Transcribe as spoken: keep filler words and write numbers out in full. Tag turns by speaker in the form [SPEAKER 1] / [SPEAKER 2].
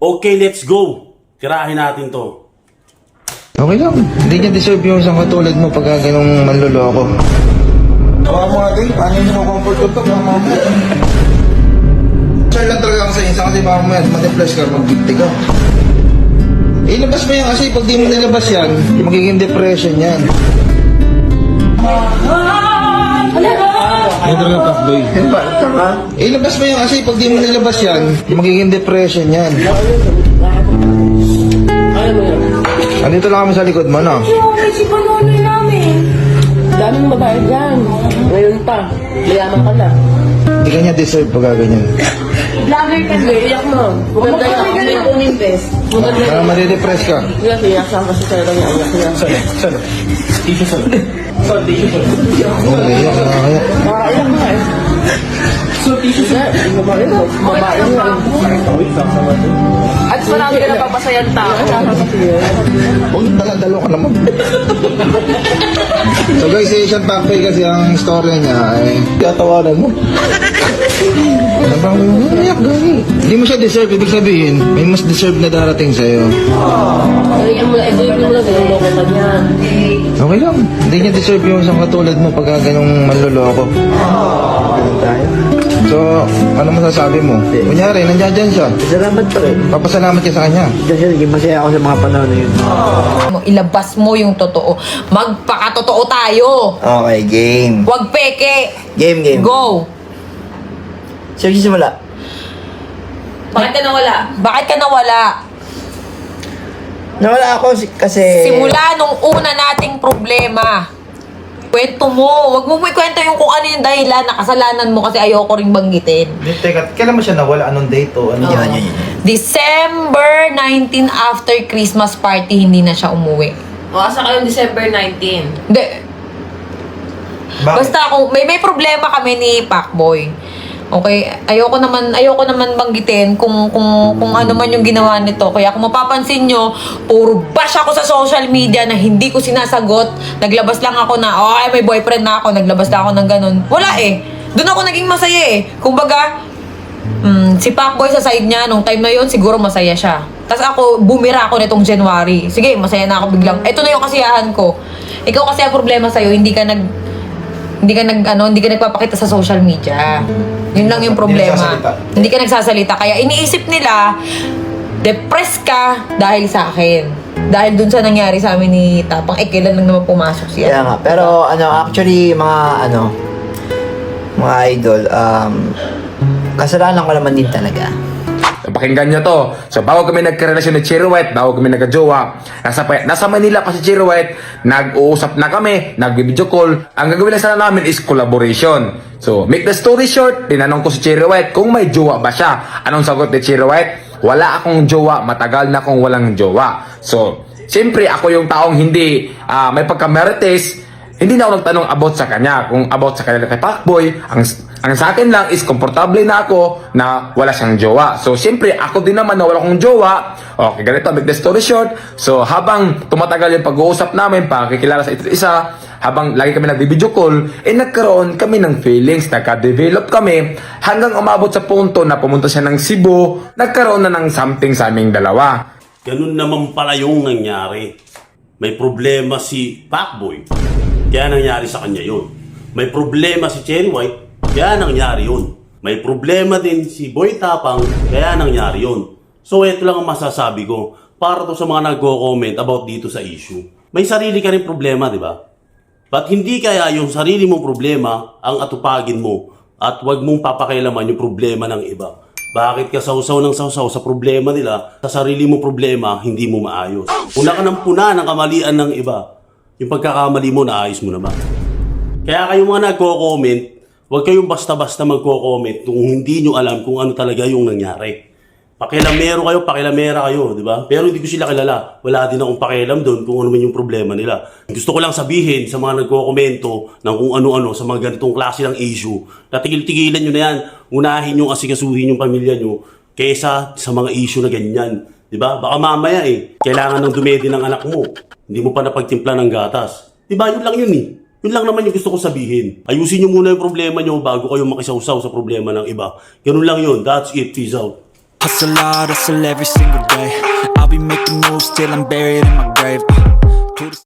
[SPEAKER 1] Okay, let's go. Tirahin natin to.
[SPEAKER 2] Okay lang. Hindi niya deserve yung isang katulad mo pagka ganong manloloko. Tawa mo nga din. Paano yung comfort ko ito? Mama mo. Sure lang talaga ako sa inyo. Kasi baka mo yan. Ma-depress ka. Mag-gifty ka. Ilabas mo yan kasi pag di mo nilabas yan, magiging depression yan. Ay, talaga kakboy. Ilabas mo yan kasi pag di mo nilabas yan, magiging depression yan. Andito lang kami sa likod mo, no?
[SPEAKER 3] Yung may si Panonoy namin.
[SPEAKER 4] Daming babae dyan. Ngayon pa. Mayaman ka na.
[SPEAKER 2] Hindi ka niya deserve pag ganyan.
[SPEAKER 3] Vlogger ka
[SPEAKER 4] Sige, iyak mo. Maganda yan. Ako may puminvest. Maganda
[SPEAKER 2] Para
[SPEAKER 4] yan.
[SPEAKER 2] madidepress ka.
[SPEAKER 4] Iyak, iyak saan kasi sa'yo lang yung iyak. Iyak.
[SPEAKER 1] Saan? Tissue saan? Saan tissue saan?
[SPEAKER 2] Oo, kaya, kaya.
[SPEAKER 4] Nakakaiyak na eh.
[SPEAKER 1] So, tissue saan?
[SPEAKER 4] Hindi, babae mo. Babae mo.
[SPEAKER 3] At marami ka napapasayan tao.
[SPEAKER 2] Huwag dala-dalo ka naman. So guys, si Asian Packboy kasi ang story niya ay tatawanan mo. Ano bang umiyak gani? Hindi mo siya deserve, ibig sabihin, may mas deserve na darating sa'yo.
[SPEAKER 4] Kaya mo lang, ito yung mo lang, ganun loko ka niyan.
[SPEAKER 2] Okay lang, hindi niya deserve yung isang katulad mo pagka ganong manloloko. Ganun tayo. So, ano masasabi mo? Kunyari, nandiyan dyan siya.
[SPEAKER 5] Salamat pa rin.
[SPEAKER 2] Papasalamat ka sa kanya.
[SPEAKER 5] Kasi naging masaya ako sa mga panahon na yun.
[SPEAKER 3] Ilabas mo yung totoo. Magpakatotoo tayo.
[SPEAKER 5] Okay, game.
[SPEAKER 3] Huwag peke.
[SPEAKER 5] Game, game.
[SPEAKER 3] Go.
[SPEAKER 5] Sino simula?
[SPEAKER 3] Bakit ka nawala? Bakit ka nawala?
[SPEAKER 5] Nawala ako si- kasi...
[SPEAKER 3] Simula nung una nating problema. Kwento mo. Huwag mo may kwento yung kung ano yung dahilan. Nakasalanan mo kasi ayoko rin banggitin.
[SPEAKER 2] Teka, kailan mo siya nawala? Anong date o ano?
[SPEAKER 5] Yan, yan, yan.
[SPEAKER 3] December nineteenth after Christmas party, hindi na siya umuwi.
[SPEAKER 4] O, asa kayong December nineteenth?
[SPEAKER 3] Hindi.
[SPEAKER 2] Bakit?
[SPEAKER 3] Basta kung may may problema kami ni Pacboy. Okay, ayoko naman ayoko naman banggitin kung kung kung ano man yung ginawa nito. Kaya kung mapapansin nyo, puro bash ako sa social media na hindi ko sinasagot. Naglabas lang ako na, oh, ay, may boyfriend na ako. Naglabas na ako ng ganun. Wala eh. Doon ako naging masaya eh. Kumbaga, mm, si Pacboy sa side niya, nung time na yon siguro masaya siya. Tapos ako, bumira ako nitong January. Sige, masaya na ako biglang. Ito na yung kasiyahan ko. Ikaw kasi ang problema sa'yo, hindi ka nag hindi ka nag ano, hindi ka nagpapakita sa social media. Yun lang yung problema.
[SPEAKER 2] nagsasalita.
[SPEAKER 3] Hindi ka nagsasalita. Kaya iniisip nila, depressed ka dahil sa akin. Dahil dun sa nangyari sa amin ni Tapang, eh, kailan lang naman pumasok siya.
[SPEAKER 5] Kaya nga. Pero ano, actually, mga ano, mga idol, um, kasalanan ko naman din talaga.
[SPEAKER 6] So, pakinggan nyo to. So, bago kami nagkarelasyon ni Cherry White, bago kami nagka-jowa, nasa, pa- nasa Manila pa si Cherry White, nag-uusap na kami, nag-video call. Ang gagawin lang sana namin is collaboration. So, make the story short, tinanong ko si Cherry White kung may jowa ba siya. Anong sagot ni Cherry White? Wala akong jowa, matagal na akong walang jowa. So, siyempre, ako yung taong hindi ah, may pagkamerites, hindi na ako nagtanong about sa kanya. Kung about sa kanya kay Pacboy, ang, ang sa akin lang is komportable na ako na wala siyang jowa. So, siyempre, ako din naman na wala akong jowa. Okay, ganito, make the story short. So, habang tumatagal yung pag-uusap namin, pakikilala sa isa't isa, habang lagi kami nag-video call, eh nagkaroon kami ng feelings, nagka-develop kami, hanggang umabot sa punto na pumunta siya ng Cebu, nagkaroon na ng something sa aming dalawa.
[SPEAKER 1] Ganun naman pala yung nangyari. May problema si Pacboy. Kaya nangyari sa kanya yun. May problema si Cherry White. Kaya nangyari yun. May problema din si Boy Tapang. Kaya nangyari yun. So, ito lang ang masasabi ko para to sa mga nagko-comment about dito sa issue. May sarili ka rin problema, di ba? Ba't hindi kaya yung sarili mong problema ang atupagin mo at wag mong papakailaman yung problema ng iba? Bakit ka sausaw ng sausaw sa problema nila, sa sarili mong problema, hindi mo maayos? Puna ka ng puna ng kamalian ng iba. Yung pagkakamali mo, naayos mo naman. Kaya kayong mga nagko-comment, huwag kayong basta-basta magko-comment kung hindi nyo alam kung ano talaga yung nangyari. Pakilamero kayo, pakilamera kayo, di ba? Pero hindi ko sila kilala. Wala din akong pakialam doon kung ano man yung problema nila. Gusto ko lang sabihin sa mga nagko-komento ng kung ano-ano sa mga ganitong klase ng issue, na tigil-tigilan nyo na yan, unahin nyo asikasuhin yung pamilya nyo kaysa sa mga issue na ganyan. Di ba? Baka mamaya eh, kailangan ng dumedi ng anak mo. Hindi mo pa napagtimpla ng gatas. Di ba? Yun lang yun eh. Yun lang naman yung gusto ko sabihin. Ayusin nyo muna yung problema nyo bago kayo makisawsaw sa problema ng iba. Ganun lang yun. That's it. Peace out.
[SPEAKER 7] Hustle hard, hustle every single day. I'll be making moves till I'm buried in my grave. Uh, to the